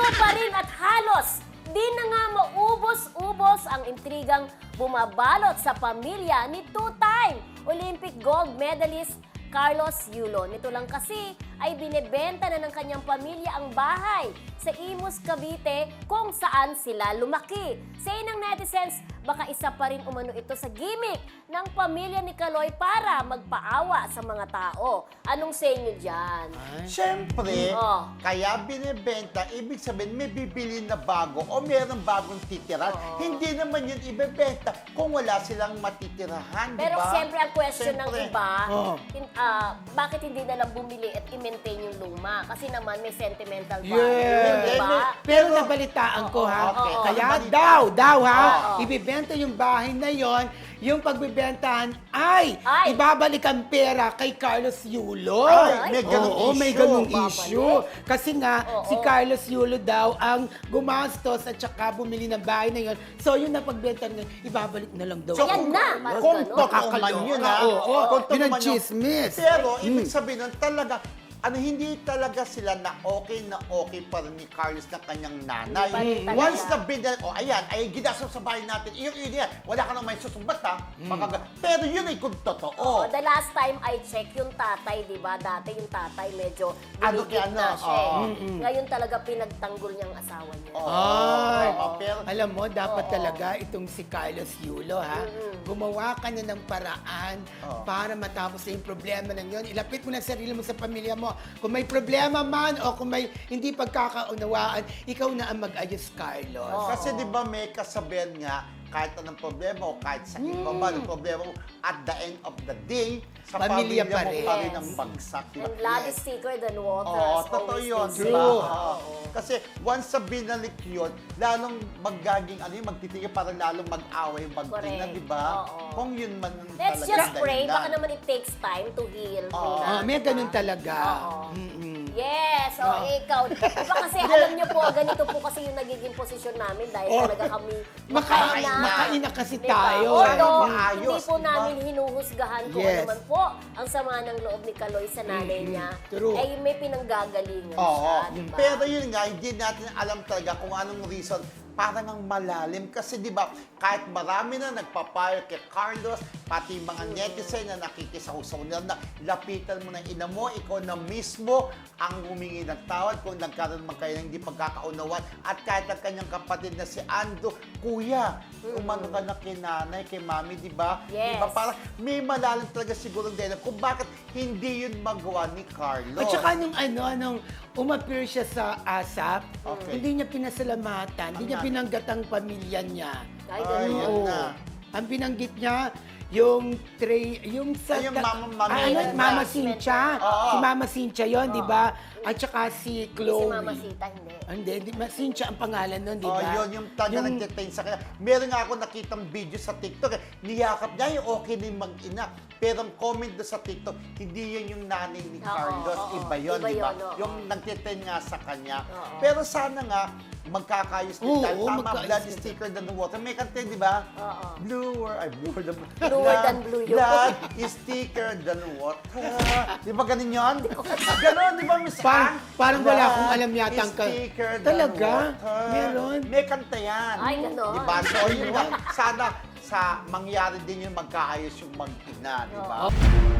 pa rin at halos di na nga maubos-ubos ang intrigang bumabalot sa pamilya ni two-time Olympic gold medalist Carlos Yulo. Nito lang kasi ay binebenta na ng kanyang pamilya ang bahay sa Imus, Cavite kung saan sila lumaki. Sa ng netizens, baka isa pa rin umano ito sa gimmick ng pamilya ni Kaloy para magpaawa sa mga tao. Anong sa inyo dyan? Siyempre, Oh. kaya binibenta, ibig sabihin may bibili na bago o merong bagong titirahan. Oo. Hindi naman yun ibebenta kung wala silang matitirahan, di Pero ba? siyempre ang question ng Siyempre. iba, Oo. bakit hindi na lang bumili at i-maintain yung luma? Kasi naman may sentimental value, Yes. di ba? Pero nabalitaan ko ha, Okay. kaya Balita. daw ha, Oo. ibibenta yung bahay na yon, yung pagbibentahan ay Ay. ibabalik ang pera kay Carlos Yulo. Ay, may ganung Oo, may issue. ganung Babalik. issue. Kasi nga, Oo. si Carlos Yulo daw ang gumastos at saka bumili ng bahay na yon. So yun na pagbenta niya, ibabalik na lang daw. So, Ayan na, parang kung ganun. totoo man yun, ha? Oo, Kung totoo yun ang man yun. chismis. Pero, ibig sabihin nun, talaga, hindi talaga sila na okay pa rin ni Carlos na kanyang nanay. Hindi pa rin talaga. Once na binal, ayan, ay ginastos sa bahay natin, yun yan, wala ka nang may susumbat, ha? Pero yun ay kung totoo. Oh, the last time I check yung tatay, di ba? Dati yung tatay medyo Ano gumigit kaya, na ano? siya. eh. Oo. Ngayon talaga pinagtanggol niyang asawa niya. Ay, pero, alam mo, dapat talaga itong si Carlos Yulo, ha? Gumawa ka na ng paraan Oo. para matapos na yung problema ng yun. Ilapit mo na sarili mo sa pamilya mo. Kung may problema man o kung may hindi pagkakaunawaan, ikaw na ang mag-ayos, Carlos. Kasi di ba may kasabihan nga, kahit anong problema o kahit sa iba ba ng problema mo, at the end of the day, sa Pamilya pamilya pa mo rin. pa rin Yes. ang bagsak. di ba? And blood is thicker than water. Oo, as totoo always yun. they di say. ba? True. Oo. Kasi once sa binalik yun, lalong magaging magtitigil, parang lalong mag-away, magtina, Correct. di ba? Oo. Kung yun man ang Let's talaga just pray. dahilan. Baka naman it takes time to heal. Oo. Rina, May di ba? ganun talaga. Oo. Mm-mm. Yes, ikaw. Diba kasi alam niyo po, ganito po kasi yung nagiging posisyon namin dahil Oh. talaga kami Makain Makain na kasi Diba? tayo. Although, Maayos, hindi po diba? namin hinuhusgahan kung Yes. ano man po ang sama ng loob ni Kaloy sa nanay niya. True. Ay may pinanggagalingan Oo. siya, diba? Pero yun nga, hindi natin alam talaga kung anong reason. Parang ang malalim. Kasi di ba, kahit marami na nagpapayo kay Carlos, pati mga netizen na nakikisaw-saw na lapitan mo ng ina mo, ikaw na mismo ang humingi ng tawad kung nagkaroon man kayo ng hindi pagkakaunawan. At kahit ang kanyang kapatid na si Ando, kuya, umano ka na kay nanay, kay mami, di ba? Yes. Di ba? Parang may malalim talaga siguro dahil kung bakit hindi yun magawa ni Carlos. At saka nung umappear siya sa ASAP, Okay. hindi niya pinasalamatan, hindi niya binanggit ang pamilya niya. Ay, Ay, ganun. yun Oo. na. Ang binanggit niya, yung sa... Ay, yung Mama Cynthia. Mama Cynthia. Oo. Si Mama Cynthia yun, di ba? At saka si Hindi si Chloe. Mama Sita, hindi. Hindi, Cynthia ang pangalan nun, di Oh, ba? yun, yung talaga nag-detain sa kanya. Meron nga ako nakitang video sa TikTok, niyakap niya yung okay na yung mag-ina. Pero ang comment doon sa TikTok, hindi yun yung nanay ni Oo, Carlos. oo, Iba yun, iba di ba? yun, oo. Yung nag-detain nga sa kanya. Oo. Pero sana nga, magkakayos din. Oo, Dahil tama, magkaayos blood din. is thicker than the water. May kanta, di ba? Oo. Bluer than Bluer than blue yun. Blood is thicker than water. Di ba ganun yun? Ganon, di ba, Miss Ann? Parang wala Blood akong alam yata ang is thicker than Talaga? water. Meron? May kanta yan. Ay, ganon. Diba? So, yun nga. Sana mangyari din yung magkaayos yung mag-ina, di ba? Oo.